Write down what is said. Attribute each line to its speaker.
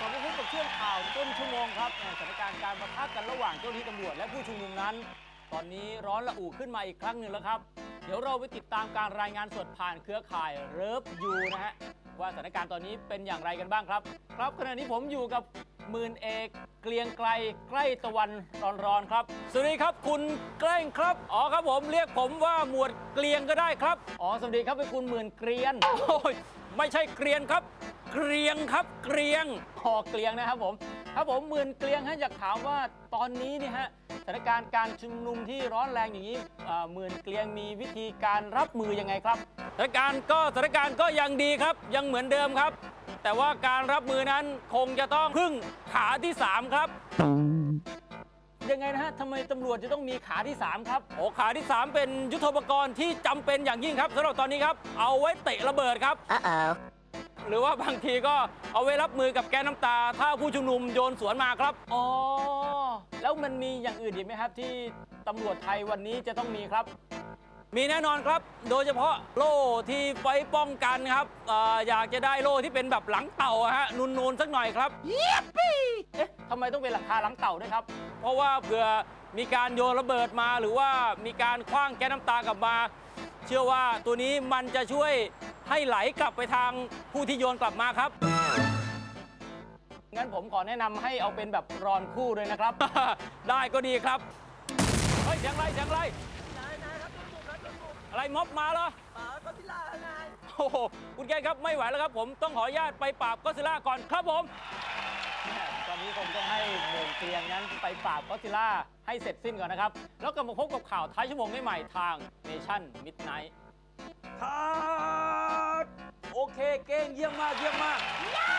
Speaker 1: ลับมาพบกับช่วงข่าวต้นชั่วโมงครับสถานการณ์การปะทะกันระหว่างเจ้าหน้าที่ตำรวจและผู้ชุมนุมนั้น ตอนนี้ร้อนระอุขึ้นมาอีกครั้งหนึ่งแล้วครับ เดี๋ยวเราไปติดตามการรายงานสดผ่านเครือข่ายเลิฟยูนะฮะว่าสถานการณ์ตอนนี้เป็นอย่างไรกันบ้างครับครับขณะนี้ผมอยู่กับหมื่นเอกเกรียงไกรใกล้ตะวันร้อนๆครับสวัสดีครับคุณเกล้งครับอ๋อครับผมเรียกผมว่าหมวดเกรียงก็ได้ครับอ๋อสวัสดีครับเป็นคุณหมื่นเกรียนโอ้ยไม่ใช่เกรียนครับเกรียงครับเกรียงอ๋อเกรียงนะครับผมหมื่นเกรียงฮะอยากถามว่าตอนนี้เนี่ยฮะสถานการณ์การชุมนุมที่ร้อนแรงอย่างนี้หมื่นเกรียงมีวิธีการรับมือยังไงครับสถานการณ์ก็ยังดีครับยังเหมือนเดิมครับแต่ว่าการรับมือนั้นคงจะต้องพึ่งขาที่3ครับยังไงนะฮะทำไมตำรวจจะต้องมีขาที่3ครับโอ้ขาที่3เป็นยุทโธปกรณ์ที่จำเป็นอย่างยิ่งครับสำหรับตอนนี้ครับเอาไว้เตะระเบิดครับหรือว่าบางทีก็เอาไว้รับมือกับแก๊สน้ำตาถ้าผู้ชุมนุมโยนสวนมาครับอ๋อแล้วมันมีอย่างอื่นอีกไหมครับที่ตำรวจไทยวันนี้จะต้องมีครับมีแน่นอนครับโดยเฉพาะโล่ที่ไว้ป้องกันครับอยากจะได้โล่ที่เป็นแบบหลังเต่าฮะนูนๆสักหน่อยครับเอ๊ะทำไมต้องเป็นหลังคาหลังเต่าด้วยครับเพราะว่าเผื่อมีการโยนระเบิดมาหรือว่ามีการคว้างแก๊สน้ำตากลับมาเชื่อว่าตัวนี้มันจะช่วยให้ไหลกลับไปทางผู้ที่โยนกลับมาครับงั้นผมขอแนะนำให้เอาเป็นแบบรอนคู่เลยนะครับ ได้ก็ดีครับเฮ้ยเสียงอะไรนายครับโดนบุกอะไรม็อบมาเหรอก็ซิล่านายโอ้โหคุณแกครับไม่ไหวแล้วครับผมต้องขออนุญาตไปปราบก็ซิล่าก่อนครับผมตอนนี้คงต้องให้หมื่นเกรียงนั้นไปปราบก็ซิล่าให้เสร็จสิ้นก่อนนะครับแล้วกลับมาพบกับข่าวท้ายชั่วโมงใหม่ทาง Nation Midnight ครับโอเคเก่งเยี่ยมมาก